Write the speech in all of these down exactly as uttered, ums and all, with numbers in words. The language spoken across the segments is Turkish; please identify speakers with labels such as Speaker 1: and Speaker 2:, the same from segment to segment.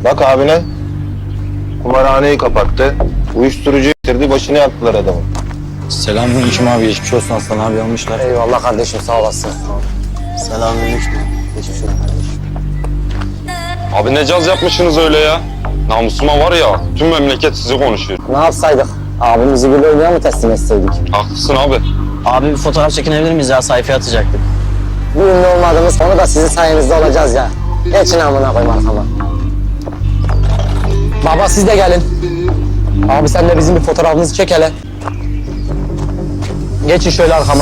Speaker 1: Bak abine. Kumarhaneyi kapattı. Uyuşturucu getirdi, başını yaktılar adamın.
Speaker 2: Selamünaleyküm abi, geçmiş olsun, Aslan abi almışlar.
Speaker 3: Eyvallah kardeşim, sağ olasın.
Speaker 2: Selamünaleyküm. Geçmiş olsun kardeşim.
Speaker 4: Abi ne caz yapmışsınız öyle ya? Namusuma var ya, tüm memleket sizi konuşuyor.
Speaker 3: Ne yapsaydık? Abimizi bir oyuna mı teslim etseydik?
Speaker 4: Haklısın abi.
Speaker 2: Abi bir fotoğraf çekinebilir miyiz ya? Sayfaya atacaktık.
Speaker 3: Bir ünlü olmadığımız konu da sizin sayenizde olacağız ya. Geçin amına koyayım arkama. Baba siz de gelin. Abi sen de bizim bir fotoğrafımızı çek hele. Geçin şöyle arkama.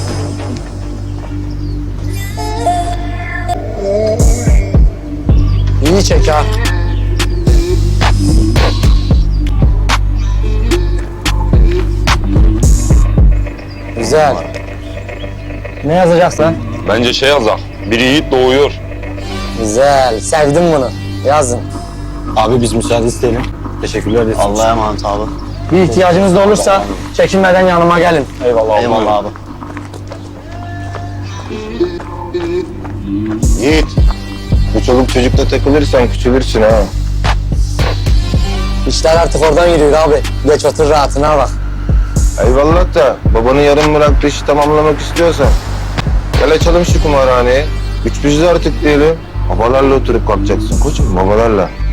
Speaker 3: İyi çek ha. Güzel. Ne yazacaksın?
Speaker 4: Bence şey yazak, bir yiğit doğuyor.
Speaker 3: Güzel. Sevdim bunu. Yazın.
Speaker 2: Abi biz müsaade isteyelim. Teşekkürler ederiz. Allah'a emanet abi.
Speaker 3: Bir ihtiyacınız da olursa çekinmeden yanıma gelin.
Speaker 2: Eyvallah, Eyvallah abi.
Speaker 1: Yiğit, bu çoluk çocukla takılırsan küçülürsün ha.
Speaker 3: İşler artık oradan yürüyor abi. Geç otur rahatına bak.
Speaker 1: Eyvallah da babanın yarım bıraktığı işi tamamlamak istiyorsan gel açalım şu kumarhaneyi. Güç bizde artık diyelim. Babalarla oturup kalkacaksın koçum, babalarla.